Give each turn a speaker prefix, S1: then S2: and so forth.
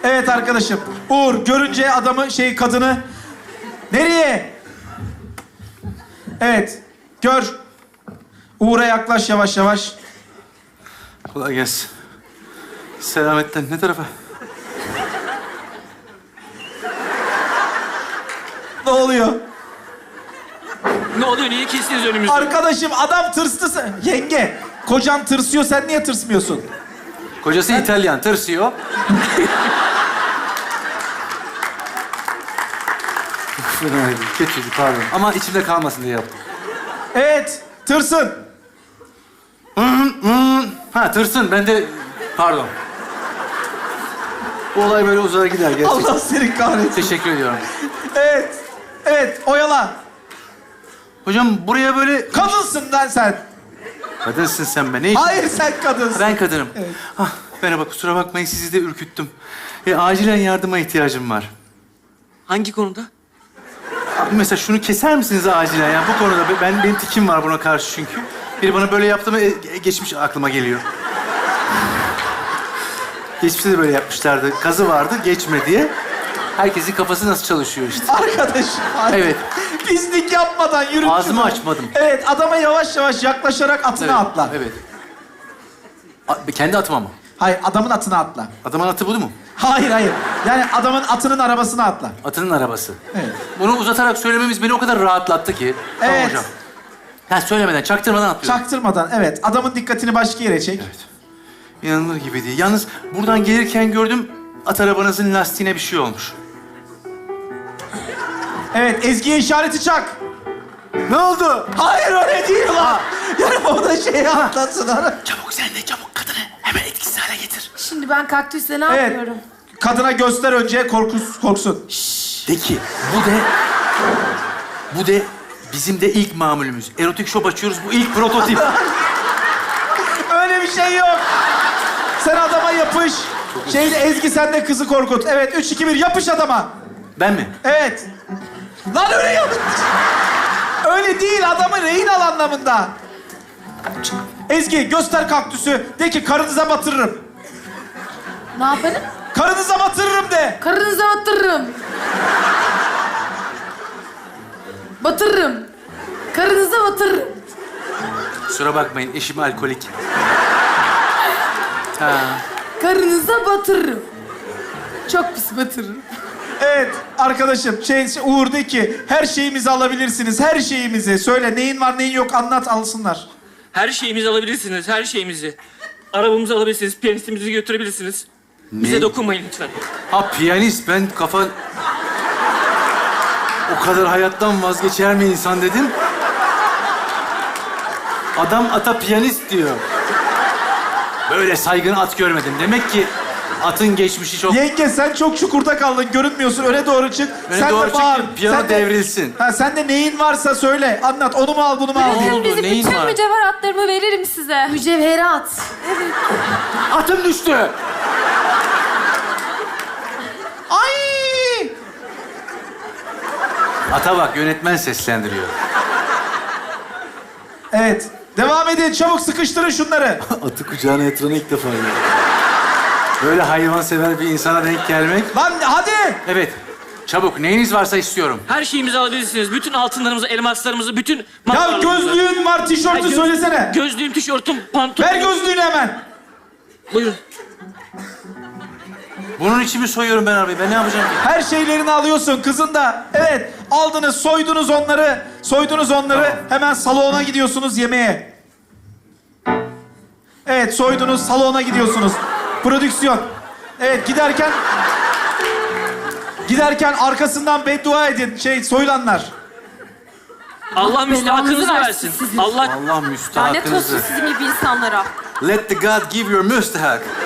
S1: Evet arkadaşım. Uğur görünce adamı kadını. Nereye? Evet. Gör. Uğur'a yaklaş yavaş yavaş.
S2: Kolay gelsin. Selametten ne tarafa?
S1: Ne oluyor?
S3: Ne oluyor? Niye kestiniz önümüzü?
S1: Arkadaşım adam tırstı. Yenge, kocan tırsıyor. Sen niye tırsmıyorsun?
S2: Kocası İtalyan, tırsıyor. Kötüydü, pardon. Ama içimde kalmasın diye yaptım.
S1: Evet. Tırsın.
S2: Ha, tırsın. Ben de... Pardon. Bu olay böyle uzar gider gerçekten.
S1: Allah seni kahretsin.
S2: Teşekkür ediyorum.
S1: Evet. Evet. Oyala.
S2: Hocam buraya böyle...
S1: Kadınsın lan sen.
S2: Kadınsın sen be. Ne için?
S1: Hayır sen kadınsın.
S2: Ben kadınım.
S1: Evet.
S2: Ah, merhaba, kusura bakmayın. Sizi de ürküttüm. Acilen yardıma ihtiyacım var.
S3: Hangi konuda?
S2: Mesela şunu keser misiniz acilen ya? Bu konuda benim tikim var buna karşı çünkü. Biri bana böyle yaptı mı geçmiş aklıma geliyor. Geçmişte de böyle yapmışlardı. Kazı vardı geçme diye. Herkesin kafası nasıl çalışıyor işte.
S1: Arkadaşım. Hayır.
S2: Evet.
S1: Pislik yapmadan yürü.
S2: Ağzımı açmadım.
S1: Evet. Adama yavaş yavaş yaklaşarak atına atla.
S2: Evet. Kendi atıma mı?
S1: Hayır. Adamın atına atla.
S2: Adamın atı bu mu?
S1: Hayır hayır. Yani adamın atının arabasına atla.
S2: Atının arabası.
S1: Evet.
S2: Bunu uzatarak söylememiz beni o kadar rahatlattı ki. Tamam
S1: Evet.
S2: hocam. Ha, söylemeden, çaktırmadan atlıyorum.
S1: Çaktırmadan evet. Adamın dikkatini başka yere çek.
S2: Evet. İnanılır gibi değil. Yalnız buradan gelirken gördüm, at arabanızın lastiğine bir şey olmuş.
S1: Evet. Ezgi'ye işareti çak.
S2: Ne oldu?
S1: Hayır öyle değil lan. Yani o da atlasın.
S2: Çabuk sen de çabuk kadını hemen etkisiz hale getir.
S4: Şimdi ben kaktüsle ne
S1: Evet.
S4: yapıyorum?
S1: Kadına göster önce korksun.
S2: De ki bu de bizim de ilk mamulümüz. Erotik shop açıyoruz, bu ilk prototip.
S1: Öyle bir şey yok. Sen adama yapış. Ezgi sen de kızı korkut. Evet 3, 2, 1 yapış adama.
S2: Ben mi?
S1: Evet. Lan öyle yap. Öyle değil adamı rehin al anlamında. Ezgi göster kaktüsü. De ki karınıza batırırım.
S4: Ne yaparım?
S1: Karınıza batırırım de.
S4: Karınıza batırırım. Batırırım. Karınıza batırırım.
S2: Kusura bakmayın, eşim alkolik. Ha.
S4: Karınıza batırırım. Çok pis batırırım.
S1: Evet arkadaşım Uğur de ki her şeyimizi alabilirsiniz. Her şeyimizi. Söyle neyin var neyin yok anlat alsınlar.
S3: Her şeyimizi alabilirsiniz, her şeyimizi. Arabamızı alabilirsiniz, piyanistimizi götürebilirsiniz. Bize
S2: Ne?
S3: dokunmayın lütfen.
S2: Ha, piyanist, ben kafa... O kadar hayattan vazgeçer mi insan dedim. Adam ata piyanist diyor. Böyle saygın at görmedim. Demek ki atın geçmişi çok...
S1: Yenge sen çok çukurda kaldın görünmüyorsun öne doğru çık.
S2: Öne
S1: sen
S2: doğru
S1: de
S2: çık
S1: bağır.
S2: ki piyano
S1: Sen de-
S2: devrilsin.
S1: Ha, sen de neyin varsa söyle anlat onu mu al bunu mu al diye.
S2: oldu?
S5: Bizim
S2: Neyin
S5: bütün
S2: var?
S5: mücevheratlarımı veririm size.
S4: Mücevherat.
S2: Atım düştü.
S1: Ay!
S2: Ata bak, yönetmen seslendiriyor.
S1: Evet devam edin çabuk sıkıştırın şunları.
S2: Atı kucağına yatıranı ilk defa görüyorum. Böyle hayvansever bir insana denk gelmek...
S1: Lan hadi.
S2: Evet, çabuk. Neyiniz varsa istiyorum.
S3: Her şeyimizi alabilirsiniz. Bütün altınlarımızı, elmaslarımızı, bütün...
S1: Ya
S3: mallarımızı.
S1: gözlüğün var tişörtü
S3: Ay,
S1: söylesene.
S3: Gözlüğüm, tişörtüm, pantolonum.
S1: Ver gözlüğünü hemen.
S3: Buyurun.
S2: Bunun için mi soyuyorum ben arabayı? Ben ne yapacağım ki?
S1: Her şeylerini alıyorsun kızın da. Evet aldınız soydunuz onları. Soydunuz onları.
S2: Tamam.
S1: Hemen salona gidiyorsunuz yemeğe. Evet soydunuz salona gidiyorsunuz. Prodüksiyon. Evet giderken arkasından beddua edin soyulanlar.
S3: Allah müstahakınızı
S5: belanızı
S3: versin.
S5: versin sizin.
S3: Allah...
S2: Allah
S5: Lanet olsun
S2: müstahakınızı.
S5: sizin gibi insanlara.
S2: Let the God give your müstahak.